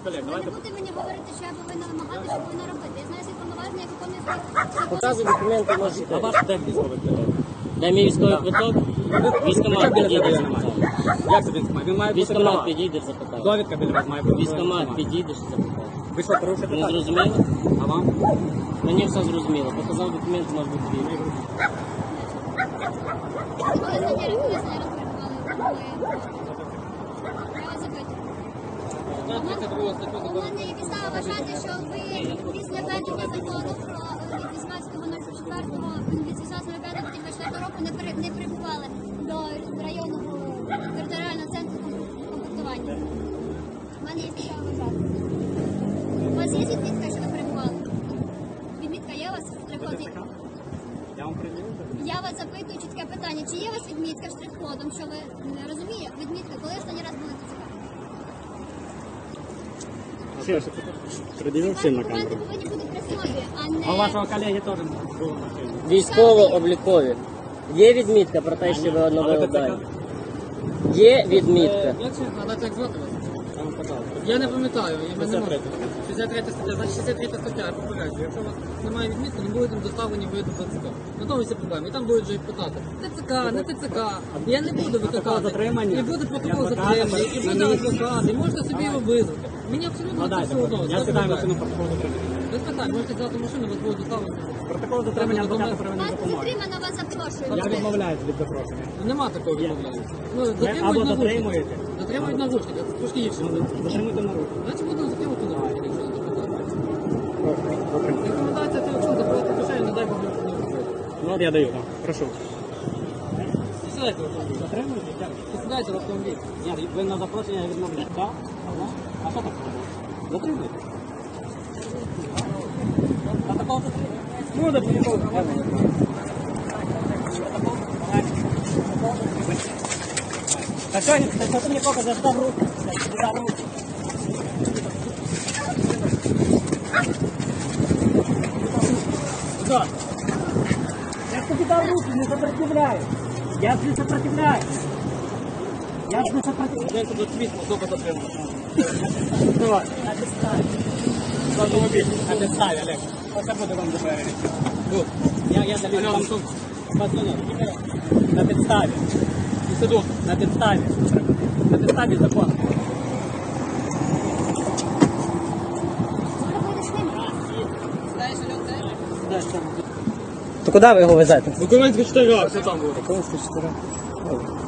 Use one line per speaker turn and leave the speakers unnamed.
колег,
Ви
давайте.
не будете мені говорити, що я повинна вимагати, що повинна робити. Я знаю свої повноваження, як виконую свої...
Показуй документи, можете.
А ваш де військовий квиток?
Дай мій військовий квиток. Військомат підійде, запитаю.
Як це військомат? Він має бути
Військомат
права.
підійдеш, запитаю.
Довідка біля вас має бути.
Військомат підійдеш, запитаю.
Ви що, порушите
Не
так?
зрозуміло?
А вам?
Мені все зрозуміло. Показав документи, може бути вільний.
Коли зараз перебували, я вас запитую. У мене є підстава вважати, що ви після введення закону про від 18.04 від 18.05.2024 року не прибували до районного територіального центру комплектування. У мене є підстава вважати. У вас є відмітка, що ви перебували? Відмітка є у вас штрих-код?
Я вам приділю?
Я вас запитую чітке питання. Чи є у вас відмітка штрих-кодом, що ви не розумієте? Відмітка, коли останній раз були ТЦК?
Приділив всім на
Документи
камеру.
повинні бути при собі, а не...
А у вашого колеги теж було машина.
Військово-облікові. Є відмітка про те, що ви одного ударі? Є відмітка.
А так звати вас?
Я вам казав.
Я не пам'ятаю, я не можу.
63
63 стаття, значить 63 стаття, я попереджую. Якщо у вас немає відмітки, не будете доставлені ви до ТЦК. На тому всі проблеми. І там будуть вже питати. ТЦК, не ТЦК. Я не буду викликати.
затримання?
І буде протокол
І адвоката
затримання, і буде
на місці.
адвокат, і можете собі його визвати. Мені абсолютно
Ну
це
дайте,
все одно.
я
Без
сідаю в
питань.
машину протокол затримання.
Без питань, можете взяти машину, вас будуть доставлені.
Протокол затримання адвоката
Вас
первинної допомоги.
затримано, вас запрошую.
Я відмовляюсь від запрошення.
Нема такого відмовлення. Ну,
Ви
затримують
або
наручники.
затримуєте,
Затримують наручники, це трошки гірше.
затримуйте на руку.
Значить будемо затримувати наручники, якщо не питання.
Затримуйте.
Рекомендація це якщо закривати кишені, не дай Бог не робити.
Ну от я даю, так. Прошу.
Сідайте в автомобіль.
Затримуєте?
Сідайте в автомобіль.
Ні, ви на запрошення відмовляєте. Так? А що так? Затримуєте? Протокол затримання. Буде протокол. Так що ти мені показав, дав руку. Дав руку. Что? Я тебе дал руки, не сопротивляюсь. Я не сопротивляюсь. Я не сопротивляюсь.
Я тут світло, добре затримано.
Давай. Автомобиль. На підставі, Олег. Оце буде вам допереди. Тут. Я даю вам тут. Пацани, на підставі. Інститут. На підставі. На підставі закону. То куди ви його везете?
Документ 4, все там буде.
Документ 4.